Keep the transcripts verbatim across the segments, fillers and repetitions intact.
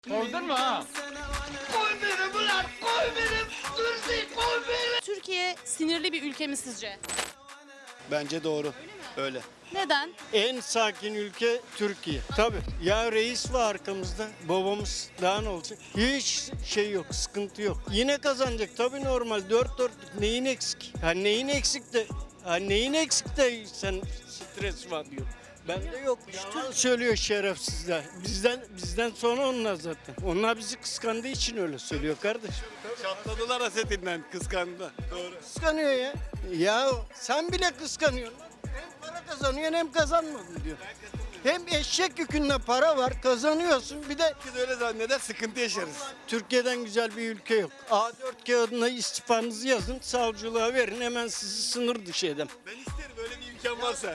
Kovdun mu ha? Koy beni ulan, koy beni, Dursun, koy beni. Türkiye sinirli bir ülke mi sizce? Bence doğru. Öyle. Neden? En sakin ülke Türkiye. Tabii. Ya reis var arkamızda. Babamız daha ne olacak? Hiç şey yok, sıkıntı yok. Yine kazanacak. Tabii normal. Dört dörtlük. Neyin eksik? Ha neyin eksik de? Ha neyin eksik de sen stres var diyor. Bende yok. Yalan söylüyor şerefsizler. Bizden bizden sonra onlar zaten. Onlar bizi kıskandığı için öyle söylüyor kardeşim. Çatladılar hasetinden, kıskandı. Doğru. Kıskanıyor ya. Ya sen bile kıskanıyorsun. Hem para kazanıyorsun hem kazanmadın diyor. Hem eşek yükünde para var, kazanıyorsun. Bir de Biz öyle zanneder, sıkıntı yaşarız. Türkiye'den güzel bir ülke yok. A dört kağıdına istifanızı yazın, savcılığa verin, hemen sizi sınır dışı edem. Ben isterim öyle bir imkan varsa.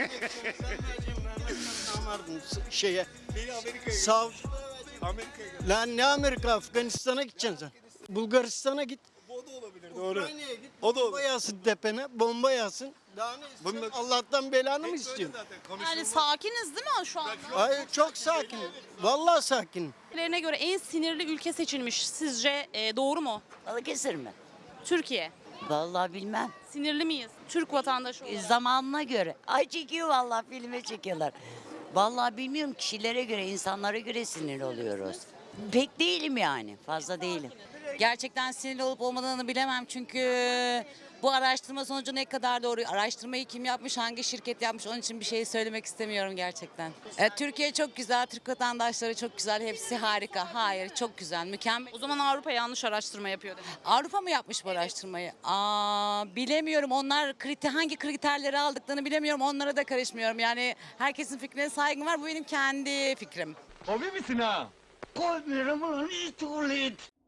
Şeye, Beni Amerika'ya savcı. Amerika'ya gel. Lan ne Amerika, Afganistan'a gideceksin sen. Bulgaristan'a git. O da olabilir, doğru. Ukrayna'ya git. O da olur. Bomba yağsın tepene, bomba yağsın. Daha ne istiyorsun? Bunun- Allah'tan belanı mı Hep böyle istiyorsun? zaten, Yani konuşulmaz. sakiniz değil mi şu anda? Hayır, çok sakin. Vallahi sakin. Ülkelerine göre en sinirli ülke seçilmiş. Sizce e, doğru mu? Balıkesir mi? Türkiye. Vallahi bilmem. Sinirli miyiz? Türk vatandaşı E, olarak. Zamanına göre. Ay çekiyor vallahi filme çekiyorlar. Vallahi bilmiyorum, kişilere göre, insanlara göre sinir oluyoruz. Pek değilim yani. Fazla değilim. Gerçekten sinirli olup olmadığını bilemem çünkü bu araştırma sonucu ne kadar doğru, araştırmayı kim yapmış, hangi şirket yapmış, onun için bir şey söylemek istemiyorum gerçekten. E, Türkiye çok güzel, Türk vatandaşları çok güzel, hepsi harika. Hayır, çok güzel, mükemmel. O zaman Avrupa yanlış araştırma yapıyor demek. Avrupa mı yapmış bu araştırmayı? Aa, bilemiyorum. Onlar kriter, hangi kriterleri aldıklarını bilemiyorum. Onlara da karışmıyorum. Yani herkesin fikrine saygım var. Bu benim kendi fikrim. Hobi misin ha? Koy beni ulan, it ulan it.